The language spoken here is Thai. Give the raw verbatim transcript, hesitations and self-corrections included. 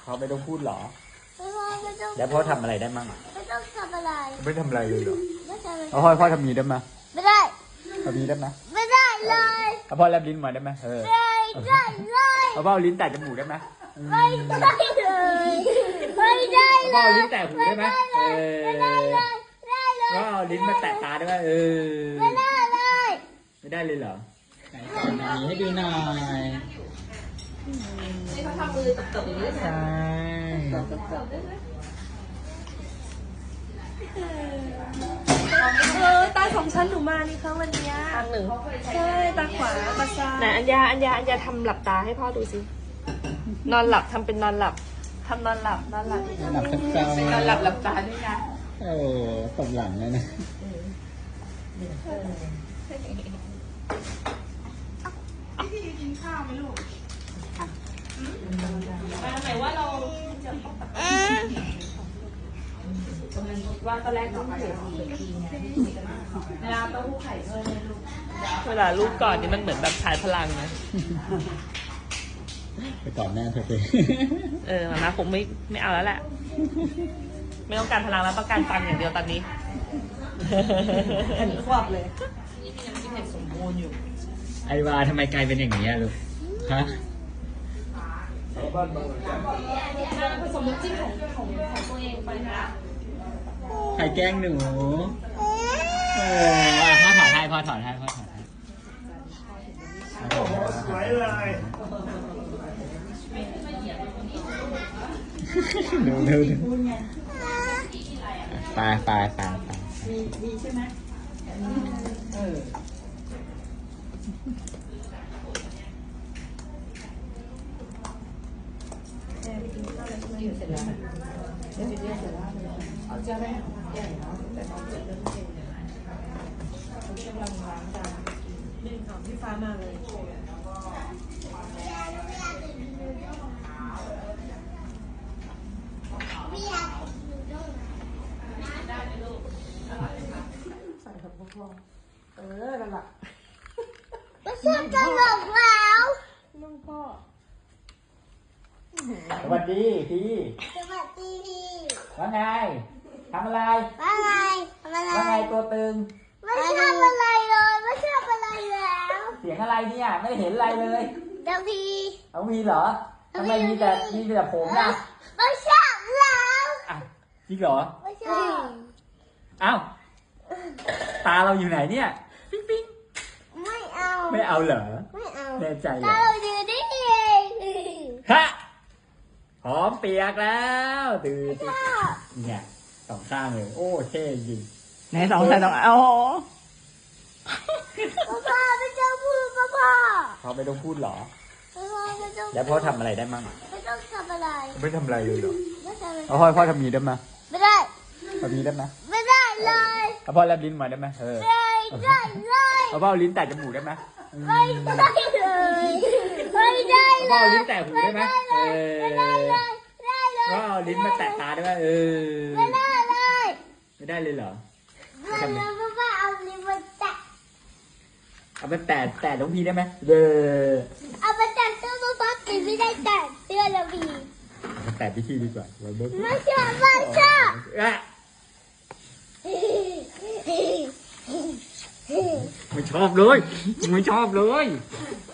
พ่อไม่ต้องพูดหรอไม่พ่อไม่ต้องแล้วพ่อทำอะไรได้มั่งไม่ต้องทำอะไรไม่ทำอะไรเลยหรอไม่ทำอะไรพ่อพ่อทำมีได้ไหมไม่ได้ทำมีได้ไหมไม่ได้เลยพ่อแลบลิ้นมาได้ไหมเออไม่ได้เลยพ่อเอาลิ้นแตะจมูกได้ไหมไม่ได้เลยไม่ได้เลยพ่อเอาลิ้นแตะหูได้ไหมเออไม่ได้เลยได้เลยพ่อเอาลิ้นมาแตะตาได้ไหมเออไม่ได้เลยไม่ได้เลยเหรอไหนก่อนหน่อยให้ดูหน่อยนี่เขาทำมือตบๆอย่างนี้ใช่เออตาของฉันหนูมานี่ครั้งวันนี้ทางหนึ่งใช่ตาขวาตาซ้ายไหนอัญญาอัญญาอัญญาทำหลับตาให้พ่อดูสินอนหลับทำเป็นนอนหลับทำนอนหลับนอนหลับหลับทั้งเจ้านอนหลับหลับตาด้วยนะโอ้ตบหลังเลยนะพี่กินข้าวไหมลูกมาไหนว่าเราว่าตอนแรกต้องเสียทีเวลาเต้าหู้ไข่เพิ่มเลยลูกเวลาลูกก่อนนี่มันเหมือนแบบชายพลังนะไปก่อนแม่เธอไปเออมาม่าคงไม่ไม่เอาแล้วแหละไม่ต้องการพลังแล้วต้องการฟังอย่างเดียวตอนนี้เห็นควบเลยนี่มีน้ำจิ้มเห็ดสมบูรณ์อยู่ไอวาทำไมกลายเป็นอย่างนี้ลูกฮะผสมน้ำจิ้มของของของตัวเองไปนะใครแกล้งหนูเออพ่อถอดให้พ่อถอดให้พ่อถอดให้โอ้โหสวยเลยดูดูดูไปไปไปไปมีมีใช่ไหมเออเอาเจ้าแม่ใหญ่เนาะแต่ตอนเจ็บเริ่มเจ็บเขากำลังล้างจานนี่ของพี่ฟ้ามาเลยใส่กับพวกเออนั่นแหละไม่ใช่ตลกแล้วลุงพ่อสวัสดีพี่สวัสดีพี่ว่าไงทำอะไรว่าไงทำอะไรว่าไงตัวตึงไม่ทำอะไรเลยไม่ทำอะไรแล้วเสียงอะไรเนี่ยไม่เห็นอะไรเลยเดี๋ยวพี่เอามีเหรอทำไมมีแต่มีแต่ผมนะไม่ใช่แล้วอ่ะจริงเหรอไม่ใช่อ้าวตาเราอยู่ไหนเนี่ยปิ๊งปิ๊งไม่เอาไม่เอาเหรอไม่เอาแน่ใจเหรอตาเราอยู่นี่เองฮะหอมเปียกแล้วตื่นเนี่ยสองข้างเลยโอ้เท่จริงไหนสองใส่สองโอ้โหพ่อไม่ต้องพูดพ่อพ่อพ่อไม่ต้องพูดหรอพ่อไม่ต้องแล้วพ่อทำอะไรได้มั่งไม่ต้องทำอะไรไม่ทำอะไรเลยหรอไม่ทำอะไรพ่อพ่อทำมีได้ไหมไม่ได้ทำมีได้ไหมไม่ได้เลยพ่อแลบลิ้นมาได้ไหมเออไม่ได้เลยพ่อเอาลิ้นแตะจมูกได้ไหมไม่ได้เลยไม่ได้เลยพ่อเอาลิ้นแตะหูได้ไหมเออไม่ได้เลยได้เลยพ่อเอาลิ้นมาแตะตาได้ไหมเออไม่ได้เลยไม่ได้เลยเหรอไม่ได้เลยพ่อเอาลิ้นมาแตะเอาไปแตะแตะน้องพีได้ไหมเออเอาไปแตะเสื้อพ่อปีไม่ได้แตะเสื้อแล้วพีเอาแตะพี่ชีดีกว่าไม่ชอบไม่ชอบไม่ชอบเลยไม่ชอบเลย